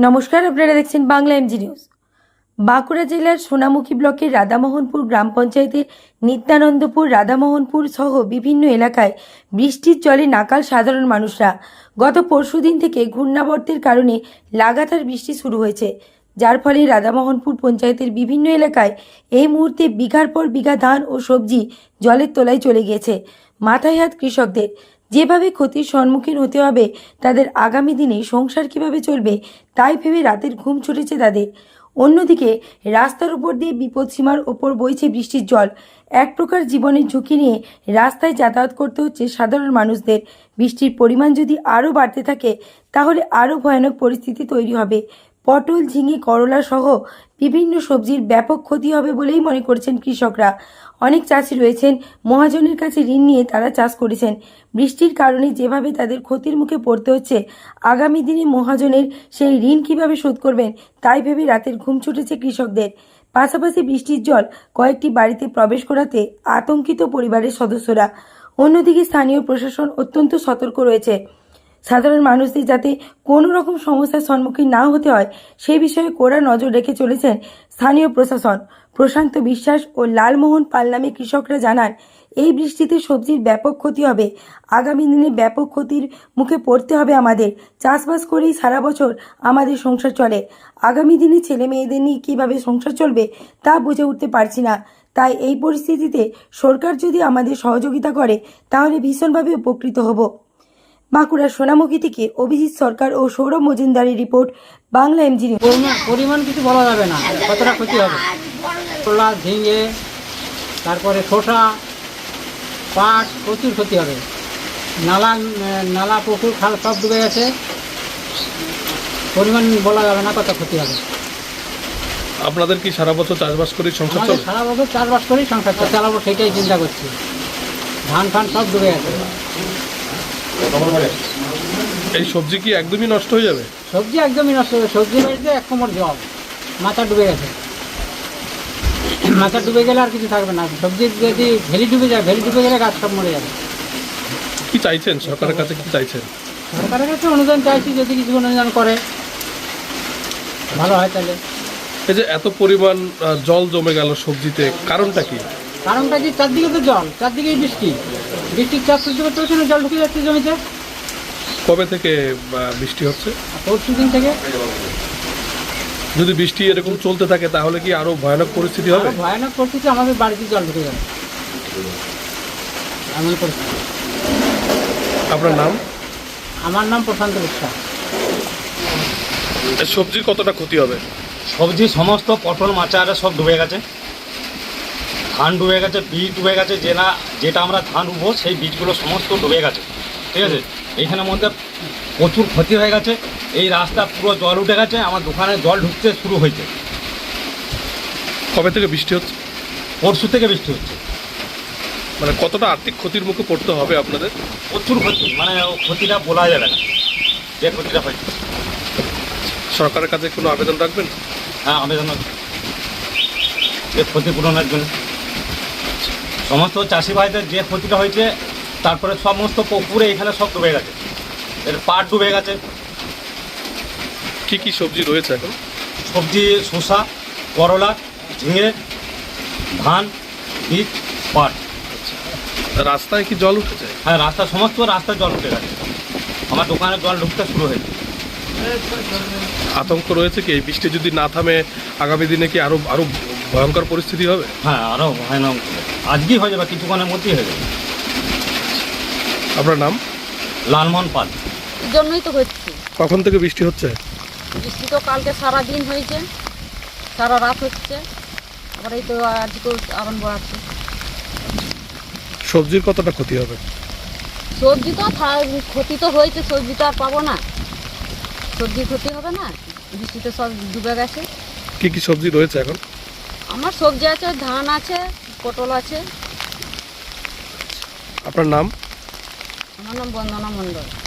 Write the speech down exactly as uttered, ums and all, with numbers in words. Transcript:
নমস্কার, আপনারা দেখছেন বাংলা এমজি নিউজ। বাঁকুড়া জেলার সোনামুখী ব্লকের রাধামোহনপুর গ্রাম পঞ্চায়েতের নিত্যানন্দপুর, রাধামোহনপুর সহ বিভিন্ন এলাকায় বৃষ্টির জলে নাকাল সাধারণ মানুষরা। গত পরশুদিন থেকে ঘূর্ণাবর্তের কারণে লাগাতার বৃষ্টি শুরু হয়েছে, যার ফলে রাধামোহনপুর পঞ্চায়েতের বিভিন্ন এলাকায় এই মুহূর্তে বিঘার পর বিঘা ধান ও সবজি জলের তলায় চলে গিয়েছে। মাথায় হাত কৃষকদের। যেভাবে ক্ষতির সম্মুখীন হতে হবে তাদের, আগামী দিনে সংসার কিভাবে চলবে তাই ভেবে রাতের ঘুম ছুটেছে তাদের। অন্যদিকে রাস্তার উপর দিয়ে বিপদসীমার ওপর বইছে বৃষ্টির জল। এক প্রকার জীবনের ঝুঁকি নিয়ে রাস্তায় যাতায়াত করতে হচ্ছে সাধারণ মানুষদের। বৃষ্টির পরিমাণ যদি আরও বাড়তে থাকে তাহলে আরও ভয়ানক পরিস্থিতি তৈরি হবে। পটল, ঝিঙে, করলা সহ বিভিন্ন সবজির ব্যাপক ক্ষতি হবে বলেই মনে করছেন কৃষকরা। অনেক চাষি রয়েছেন মহাজনের কাছে ঋণ নিয়ে তারা চাষ করেছেন। বৃষ্টির কারণে যেভাবে তাদের ক্ষতির মুখে পড়তে হচ্ছে, আগামী দিনে মহাজনের সেই ঋণ কিভাবে শোধ করবেন তাই ভেবে রাতের ঘুম ছুটেছে কৃষকদের। পাশাপাশি বৃষ্টির জল কয়েকটি বাড়িতে প্রবেশ করাতে আতঙ্কিত পরিবারের সদস্যরা। অন্যদিকে স্থানীয় প্রশাসন অত্যন্ত সতর্ক রয়েছে। সাধারণ মানুষদের যাতে কোনো রকম সমস্যার সম্মুখীন না হতে হয় সেই বিষয়ে কড়া নজর রেখে চলেছেন স্থানীয় প্রশাসন। প্রশান্ত বিশ্বাস ও লালমোহন পাল নামে কৃষকরা জানান, এই বৃষ্টিতে সবজির ব্যাপক ক্ষতি হবে। আগামী দিনে ব্যাপক ক্ষতির মুখে পড়তে হবে আমাদের। চাষবাস করেই সারা বছর আমাদের সংসার চলে। আগামী দিনে ছেলে মেয়েদের নিয়ে কীভাবে সংসার চলবে তা বুঝে উঠতে পারছি না। তাই এই পরিস্থিতিতে সরকার যদি আমাদের সহযোগিতা করে তাহলে ভীষণভাবে উপকৃত হব। বাঁকুড়ার সোনামুখী থেকে অভিজিৎ সরকার ও সৌরভ মজুমদারের রিপোর্ট, বাংলা এমজি নিউজ। পরিমাণ কিছু বলা যাবে না, কতটা ক্ষতি হবে। করলা, ঝিঙে, তারপরে শসা, পাট, প্রচুর ক্ষতি হবে। নালা নালা পুকুর খাল সব ডুবে গেছে, পরিমাণ বলা যাবে না কত ক্ষতি হবে। আপনাদের কি সারা বছর চাষবাস করি সংসার চলে? সারা বছর চাষবাস করেই সংসার চালাবো, সেটাই চিন্তা করছি। ধান ফান সব ডুবে গেছে। এই সবজি কি একদমই নষ্ট হয়ে যাবে? সবজি একদমই নষ্ট হবে। সবজি বাড়িতে এক কোমর জল, মাথা ডুবে গেছে। মাথা ডুবে গেলে আর কিছু থাকবে না। সবজি যদি ভেলি ডুবে যায়, ভেলি ডুবে গেলে গাছ সব মরে যাবে। কি চাইছেন সরকারের কাছে, কি চাইছেন? সরকারের কাছে অনুদান চাইছি, যদি কিছু অনুদান করে ভালো হয় তাহলে। এই যে এত পরিমাণ জল জমে গেল সবজিতে, কারণটা কি? কারণটা কি, চারদিকে তো জল, চারদিকেই বৃষ্টি। বৃষ্টির চাষ সহ্য করতে হচ্ছে না, জল ঢুকে যাচ্ছে জমিতে। কবে থেকে বৃষ্টি হচ্ছে? পরশু দিন থেকে। যদি বৃষ্টি এরকম চলতে থাকে তাহলে কি আরো ভয়ানক পরিস্থিতি হবে? ভয়ানক পরিস্থিতি, আমাদের বাড়িতে জল ঢুকে যাবে, এমন পরিস্থিতি। আপনার নাম? আমার নাম প্রশান্ত বিশ্বাস। সবজির কতটা ক্ষতি হবে? সবজি সমস্ত পটল, মাচা আরে সব ডুবে গেছে। ধান ডুবে গেছে, বীজ ডুবে গেছে। যে না যেটা আমরা ধান উঠবো সেই বীজগুলো সমস্ত ডুবে গেছে, ঠিক আছে। এইখানের মধ্যে প্রচুর ক্ষতি হয়ে গেছে। এই রাস্তা পুরো জল উঠে গেছে, আমার দোকানে জল ঢুকতে শুরু হয়েছে। কবে থেকে বৃষ্টি হচ্ছে? পরশু থেকে বৃষ্টি হচ্ছে। মানে কতটা আর্থিক ক্ষতির মুখে পড়তে হবে আপনাদের? প্রচুর ক্ষতি, মানে ক্ষতিটা বলা যাবে না যে ক্ষতিটা হয়েছে। সরকারের কাছে কোনো আবেদন রাখবেন? হ্যাঁ, আবেদন যে ক্ষতিপূরণের জন্য সমস্ত চাষি ভাইদের যে ক্ষতিটা হয়েছে। তারপরে সমস্ত পুকুরে এখানে সব ডুবে গেছে, এর পাট ডুবে গেছে। কি কি সবজি রয়েছে এখন? সবজি শসা, করলা, ঝিঙে, ধান, বীজ, পাট। রাস্তায় কি জল উঠেছে? হ্যাঁ, রাস্তা সমস্ত রাস্তায় জল উঠে গেছে। আমার দোকানে জল ঢুকতে শুরু হয়েছে। আতঙ্ক রয়েছে কি এই বৃষ্টি যদি না থামে আগামী দিনে কি আরো আরো ভয়ঙ্কর পরিস্থিতি হবে? হ্যাঁ, আরও ভয়ানক। আজকেই হয়ে যাবে, কিছুক্ষণের মধ্যেই হয়ে যাবে। আপনার নাম? লালমোহন পাল। জন্যই তো হচ্ছে। কখন থেকে বৃষ্টি হচ্ছে? বৃষ্টি তো কালকে সারা দিন হয়েছে, সারা রাত হচ্ছে, আবার এই তো আজকেও আরম্ভ আছে। সবজির কতটা ক্ষতি হবে? সবজি তো ক্ষতি তো হয়েছে, সবজি তো আর পাবো না। সবজির ক্ষতি হবে না, বৃষ্টিতে সব ডুবে গেছে। কি কি সবজি রয়েছে এখন? আমার সবজি আছে, ধান আছে, পটল আছে। আপনার নাম? আমার নাম বন্দনা মণ্ডল।